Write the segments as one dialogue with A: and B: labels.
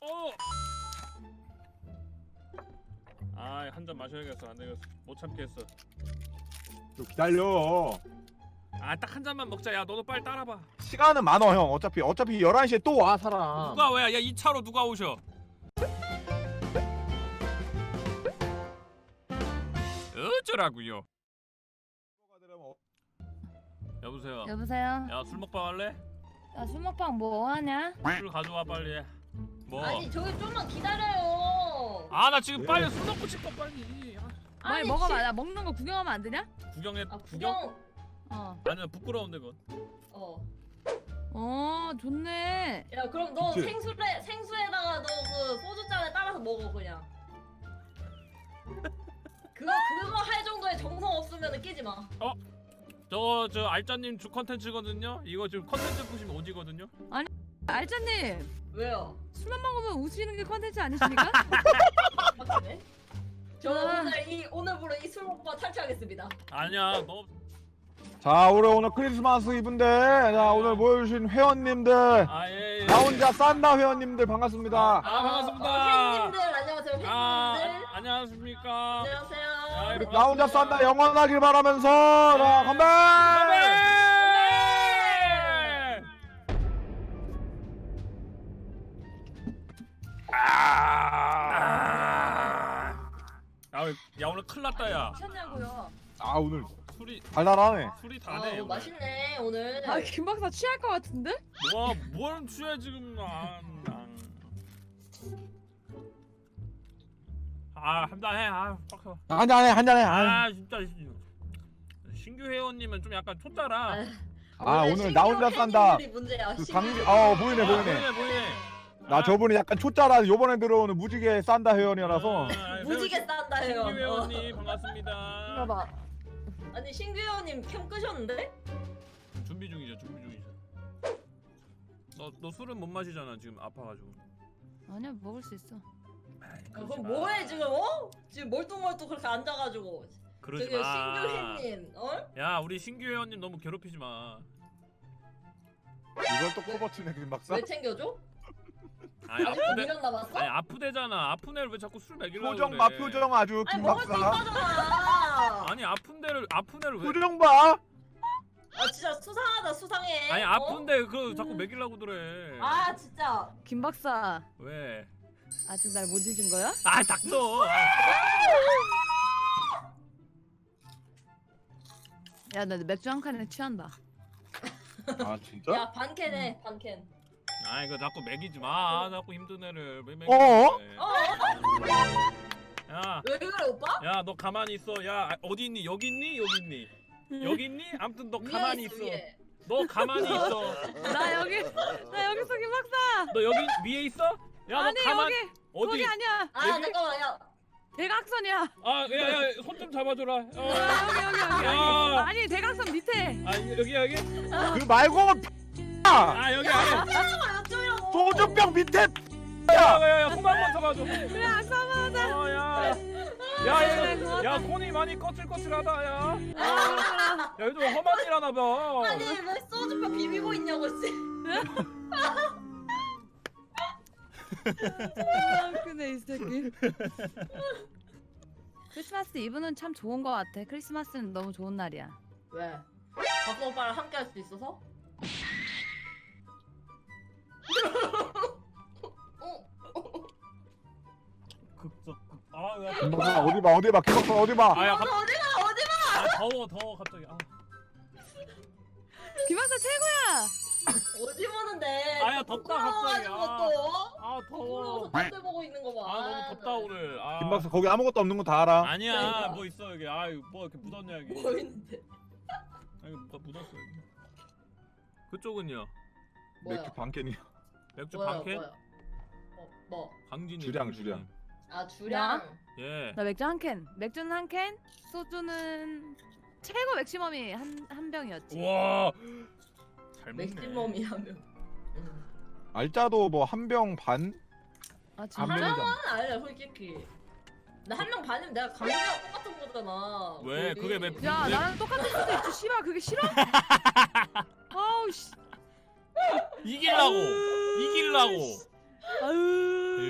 A: 아, 한 잔 마셔야겠어. 안 되겠어. 못 참겠어.
B: 좀 기다려.
A: 아, 딱 한 잔만 먹자. 야, 너도 빨리 따라봐.
B: 시간은 많어 형. 어차피 11시에 또 와 사람.
A: 누가 왜? 야, 이 차로 누가 오셔? 어쩌라고요? 여보세요.
C: 여보세요?
A: 야, 술 먹방 할래?
C: 야, 술 먹방 뭐 하냐?
A: 술 가져와 빨리. 뭐?
D: 아니 저기 좀만 기다려요.
A: 아, 나 지금 빨리 술 먹고 싶어 빨리. 아,
C: 빨리
D: 아니,
C: 먹어봐. 야, 먹는 거 구경하면 안 되냐?
A: 구경해.
D: 아
A: 구경?
D: 구경.
C: 어.
A: 아니야, 부끄러운데 그건.
C: 어, 좋네.
D: 야 그럼 너
B: 그치?
D: 생수에다가 너 그 소주잔에 따라서 먹어 그냥. 그거 할 정도의 정성 없으면 끼지 마.
A: 저 알짜님 주 컨텐츠거든요. 이거 지금 컨텐츠 보시면 오지거든요.
C: 알짜님,
D: 왜요?
C: 술만 먹으면 웃으시는 게 컨텐츠 아니십니까?
D: 맞네. 저는
C: 아.
D: 오늘부로 이 술 먹방 탈퇴하겠습니다.
A: 아니야, 너
B: 자 우리 오늘 크리스마스 이브인데 자 오늘 모여주신 회원님들
A: 아, 예, 예.
B: 나 혼자 싼다 회원님들 반갑습니다.
A: 아, 반갑습니다.
D: 팬님들 안녕하세요. 팬님들.
A: 안녕하십니까.
D: 안녕하세요.
A: 아,
B: 우리 나 혼자 싼다 영원하길 바라면서 자 건배. 야, 오늘 큰일 났다 야.
C: 미쳤냐고요?
B: 아 오늘
A: 술이
B: 달달하네.
A: 다네.
D: 아, 맛있네 오늘.
C: 아, 김 박사 취할 것 같은데?
A: 와, 뭘 취해 지금. 한잔해. 아, 빡쳐.
B: 한잔해.
A: 아, 진짜 신규 회원님은 좀 약간 촌따라.
B: 아 오늘 나 혼자 싼다.
D: 팬님들이 문제야.
B: 그
D: 신규
B: 보이네.
A: 보이네.
B: 나 저분이 약간 초짜라 요번에 들어오는 무지개 싼다 회원이라서
D: 무지개 싼다 해요.
A: 신규 회원님 반갑습니다.
C: 봐봐.
D: 아니 신규 회원님 캠 끄셨는데?
A: 준비 중이죠. 너 술은 못 마시잖아 지금 아파가지고.
C: 아니야, 먹을 수 있어.
D: 그럼 뭐해 지금 어? 지금 멀뚱멀뚱 그렇게 앉아가지고.
A: 그러지
D: 저기
A: 마.
D: 신규 회원님, 어?
A: 야, 우리 신규 회원님 너무 괴롭히지 마.
B: 이걸 또 커버치네 김 박사.
D: 왜 챙겨줘?
A: 아니
D: 아직도 미련 남았어?
A: 아니 아프대잖아. 아픈 애를 왜 자꾸 술 먹이려고
B: 표정
A: 그래.
B: 봐 표정 아주
D: 아니
B: 김
D: 먹을 수
B: 박사.
D: 있다잖아.
A: 아니 아픈 애를 왜?
B: 표정 봐.
D: 아 진짜 수상하다 수상해.
A: 아니
D: 어?
A: 아픈데 그 자꾸 먹이려고 그래.
D: 아 진짜.
C: 김 박사,
A: 왜?
C: 아직 날 못 잊은 거야?
A: 아, 닥쳐.
C: 야, 나 맥주 한 칸에 취한다.
B: 아 진짜?
D: 야 반캔해 반캔.
A: 아, 이거 자꾸 먹이지 마. 자꾸 힘든 애를 왜 먹이는
B: 어?
A: 야,
D: 왜 그래 오빠?
A: 야, 너 가만히 있어. 야, 어디 있니? 여기 있니? 여기 있니? 여기 있니? 아무튼 너 가만히 있어.
D: 위에.
A: 너 가만히 있어.
C: 나 여기서 김 박사.
A: 너 여기 위에 있어? 야, 너
C: 아니,
A: 가만.
C: 여기.
A: 어디?
C: 거기 아니야.
D: 아
A: 여기?
D: 잠깐만 야.
C: 대각선이야.
A: 아, 야, 손 좀 잡아줘라.
C: 여기.
A: 야.
C: 아니, 대각선 밑에.
A: 아, 여기.
B: 그 말고
A: 아, 여기 아래.
D: 어쩌라고?
B: 소주병 밑에.
A: 야, 손 한번 잡아줘.
C: 그래, 악수하자.
A: 야, 콘이 많이 거칠거칠하다, 야. 야, 요즘 험한 일 하나 봐.
D: 아니 왜 소주병 비비고 있냐고 씨.
C: 그네 이 새끼. 크리스마스 이브는 참 좋은 거 같아. 크리스마스는 너무 좋은 날이야.
D: 왜? 박수 오빠랑 함께 할 수 있어서?
A: 야.
B: 김 박사 어디 봐 김 박사 어디 봐.
A: 아, 야,
D: 어디가?
A: 아, 더워 갑자기. 아.
C: 김박사 최고야.
D: 어디 보는데?
A: 아야, 덥다, 갑자기.
D: 부끄러워가지고 또.
A: 아, 더워.
D: 딴데 보고 있는 거 봐.
A: 아, 너무 덥다 오늘. 아.
B: 김 박사 거기 아무것도 없는 거 다 알아.
A: 아니야,
D: 그러니까.
A: 뭐 있어 여기. 아, 뭐 이렇게 묻었냐 여기.
D: 뭐 있는데?
A: 아니, 뭐가 묻었어 여기. 그쪽은요?
D: 뭐야?
B: 맥주 반캔이야.
A: 맥주
D: 뭐야?
A: 반캔?
D: 뭐야? 뭐?
A: 강진이.
B: 주량.
D: 아 주량.
A: 예.
C: 나 맥주 한 캔. 맥주는 한 캔. 소주는 최고 맥시멈이 한 병이었지.
A: 우와. 잘 먹네.
D: 맥시멈이 하면.
B: 알짜도 뭐 한 병 반?
C: 아
B: 한
C: 진짜?
B: 명이잖아.
D: 하나는 아니야 솔직히. 나 한 명 반이면 내가 강진이랑 똑같은 거잖아.
A: 왜?
D: 거의.
A: 그게 왜-
C: 야,
A: 네.
C: 나랑 똑같은 수도 있지. 씨발, 그게 싫어? 아우 씨.
A: 이길라고.
C: 아유.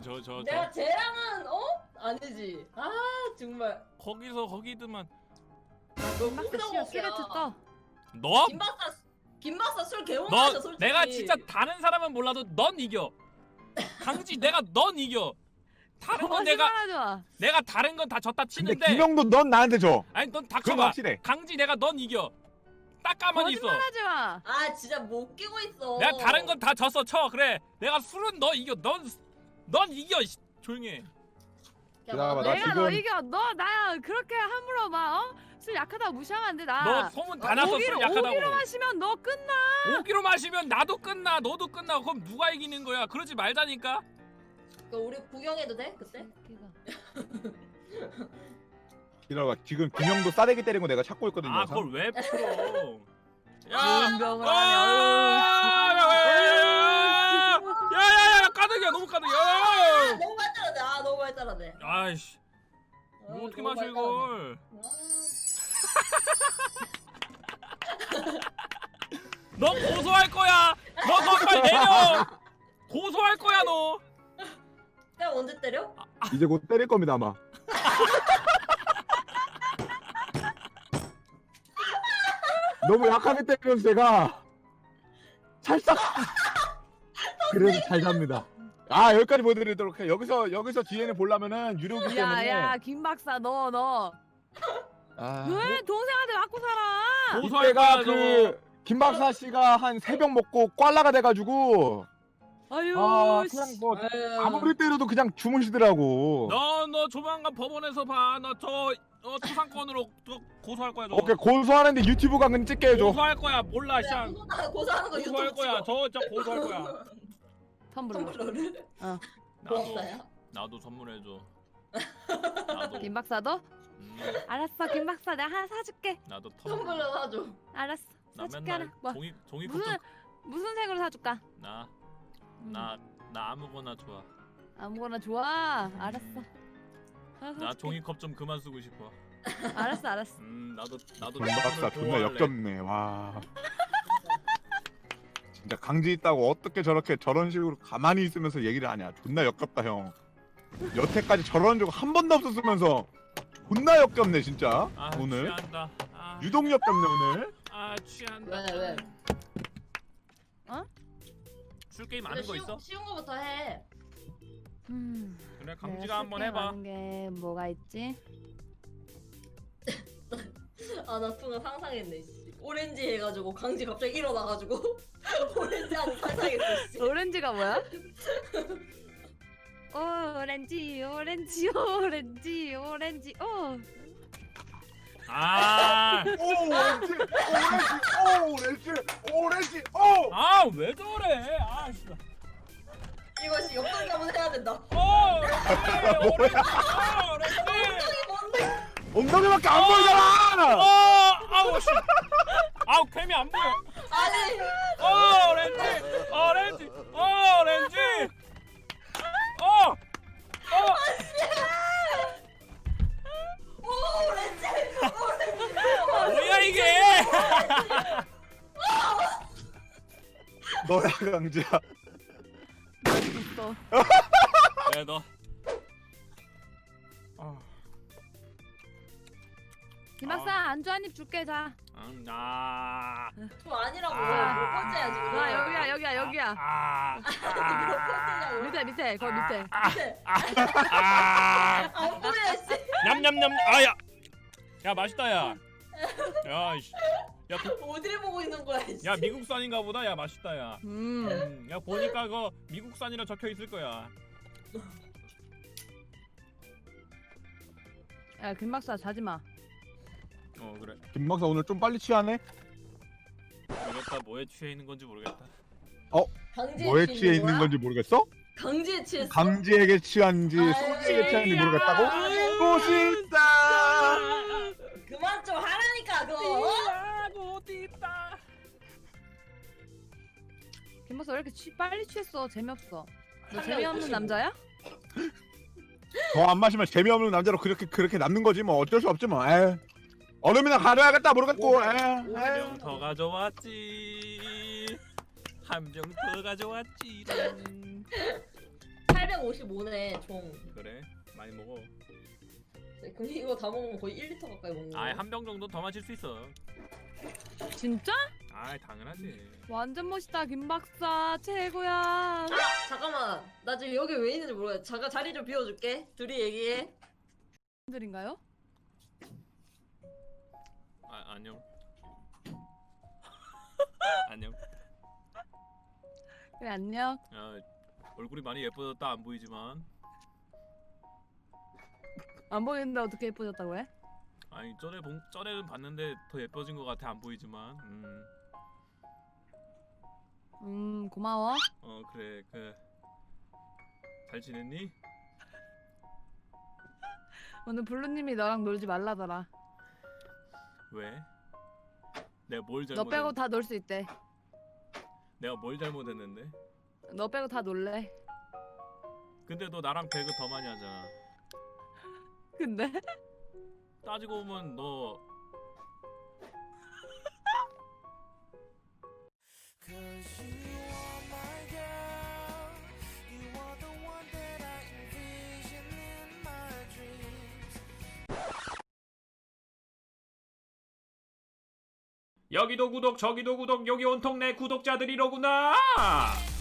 D: 내가 쟤랑은 아니지. 아 정말.
A: 거기서 거기드만.
C: 김박사 씨야 쓰레트 떠.
A: 너?
D: 김박사 술 개못
A: 너
D: 마셔 솔직히.
A: 내가 진짜 다른 사람은 몰라도 넌 이겨. 강지 내가 넌 이겨. 다른 건
C: 거짓말하지 마.
A: 내가 다른 건 다 졌다
B: 근데
A: 치는데.
B: 김영도 넌 나한테 줘.
A: 아니 넌
B: 그건
A: 닥쳐봐.
B: 확실해.
A: 강지 내가 넌 이겨. 딱 가만히 있어.
C: 거짓말하지 마.
D: 아 진짜 못 끼고 있어.
A: 내가 다른 건 다 졌어 쳐. 그래. 내가 술은 너 이겨. 넌 이겨. 조용히 해.
B: 기다려봐, 나
C: 내가 너
B: 지금-
C: 이겨. 너 나 그렇게 함부로 막 술 약하다고 무시하면 안 돼. 나.
A: 너 소문 다 났어. 술 약하다고.
C: 오기로 마시면 너 끝나.
A: 5kg 마시면 나도 끝나. 너도 끝나. 그럼 누가 이기는 거야? 그러지 말자니까.
D: 우리 구경해도 돼 그때?
B: 기다려봐. 지금 김영도 싸대기 때린 거 내가 찾고 있거든요.
A: 아 그걸 왜 풀어?
C: 운동을 하네.
A: 야야야야 까득이야 너무 까득이야.
D: 너무 발달하네. 너무 발달하네.
A: 아이씨 이거 어떻게 마셔 이걸? 너 고소할 거야. 너 빨리 내려. 고소할 거야 너.
D: 내가 언제 때려?
B: 이제 곧 때릴 겁니다 아마. 너무 약하게 때리면서 제가 살짝 그래도 잘 잡니다. 아 여기까지 보여드리도록 해. 여기서 뒤에는 보려면은 유료기 때문에.
C: 야야 김 박사 너
B: 아,
C: 왜 동생한테 맞고 살아?
A: 고소할
B: 이때가
A: 거야 너.
B: 그 김박사 씨가 한 3병 먹고 꽐라가 돼가지고
C: 아유
B: 그냥 뭐 아무리 때려도 그냥 주무시더라고.
A: 너 조만간 법원에서 봐. 너 저 초상권으로 고소할 거야 너.
B: 오케이 고소하는데 유튜브 강은 찍게 해줘.
A: 고소할 거야. 몰라
D: 야,
A: 씨.
D: 고소하는 거
A: 고소할
D: 유튜브
A: 거야.
D: 찍어.
A: 저 진짜 고소할 거야.
C: 텀블러.
D: 텀블러를?
A: 나도
D: 고맙다야.
A: 나도 선물해 줘. 나도.
C: 김 박사도? 알았어 김 박사 내가 하나 사줄게.
A: 나도
D: 텀블러 사줘.
C: 알았어
A: 나
C: 사줄게 하나.
A: 맨날
C: 뭐
A: 종이
C: 무슨 색으로 사줄까?
A: 나 아무거나 좋아.
C: 아무거나 좋아. 알았어. 하나
A: 나
C: 사줄게.
A: 종이컵 좀 그만 쓰고 싶어.
C: 알았어 알았어.
A: 나도
B: 김박사
A: 주문을
B: 존나
A: 보호할래.
B: 역겹네. 와. 진짜 강지 있다고 어떻게 저런 식으로 가만히 있으면서 얘기를 하냐. 존나 역겹다 형. 여태까지 저런 적 한 번도 없었으면서 존나 역겹네 진짜.
A: 아,
B: 오늘
A: 취한다.
B: 유독 역겹네 오늘.
A: 취한다.
D: 왜?
A: 술 게임 아는 거 있어?
D: 쉬운 거부터 해.
A: 그래
C: 내가
A: 강지가 한번
C: 쓸게
A: 해봐.
C: 많은 게 뭐가 있지?
D: 나 순간 상상했네. 씨. 오렌지 해가지고 강지 갑자기 일어나가지고 오렌지 하는 상상했어. 씨.
C: 오렌지가 뭐야? 오렌지
A: 아,
B: 오렌지. 오.
A: 왜 저래? 진짜.
D: 이것이 옆돌기 한번 해야 된다.
A: 오렌지.
D: 뭔데?
B: 엉덩이밖에 안 보이잖아.
A: 아우 씨. 캠이 안 보여.
D: 아니.
A: 오렌지.
D: 오렌지.
A: 뭐야 이게?
B: 너야 강지야.
C: 있어.
A: 네 너.
C: 김 박사 안주 한 입 줄게 자.
D: 좀 아니라고.
C: 아.
D: 몇 번째야 지금?
C: 자 여기야.
D: 몇 번째냐고.
C: 밑에 거기 밑에.
D: 안 보여 씨.
A: 냠냠냠. 야 맛있다 야. 씨.
D: 어디를 보고 있는 거야 씨.
A: 야 미국산인가 보다. 야 맛있다 야.
C: 음.
A: 야 보니까 그거 미국산이라 적혀 있을 거야.
C: 야 김 박사 자지 마.
A: 그래.
B: 김박사 오늘 좀 빨리 취하네.
A: 모르겠다. 뭐에 취해 있는 건지 모르겠다.
D: 강지에
B: 뭐에 취해 있는
D: 거야?
B: 건지 모르겠어?
D: 강지에 취했어?
B: 강지에게 취한지
D: 아유,
B: 소지에게 취한지
C: 야.
B: 모르겠다고? 꼬신다.
D: 그만 좀 하라니까 그거.
A: 어디다?
C: 김 박사 왜 이렇게 빨리 취했어? 재미없어. 너
D: 한
C: 재미없는
D: 명
C: 남자야?
B: 더 안 마시면 재미없는 남자로 그렇게 남는 거지 뭐 어쩔 수 없지 뭐. 에이. 얼음이나 가려야겠다 모르겠고.
A: 한 병 더 가져왔지. 한 병 더 가져왔지.
D: 850 355네 총.
A: 그래 많이 먹어.
D: 그럼 이거 다 먹으면 거의 1리터 가까이 먹는 거야.
A: 아한 병 정도 더 마실 수 있어.
C: 진짜?
A: 아 당연하지.
C: 완전 멋있다 김 박사 최고야.
D: 잠깐만, 나 지금 여기 왜 있는지 모르겠어. 잠깐 자리 좀 비워줄게. 둘이 얘기해.
C: 들인가요?
A: 아 안녕. 안녕.
C: 그래 안녕.
A: 야 얼굴이 많이 예뻐졌다 안 보이지만.
C: 안 보이는데 어떻게 예뻐졌다고 해?
A: 아니 전에는 봤는데 더 예뻐진 것 같아 안 보이지만.
C: 고마워.
A: 그래 잘 지냈니?
C: 오늘 블루님이 너랑 놀지 말라더라.
A: 왜? 내가 뭘
C: 너
A: 잘못?
C: 빼고 다 놀 수 있대.
A: 내가 뭘 잘못했는데?
C: 너 빼고 다 놀래.
A: 근데 너 나랑 배그 더 많이 하잖아.
C: 근데?
A: 따지고 보면 너 여기도 구독 저기도 구독 여기 온통 내 구독자들이로구나.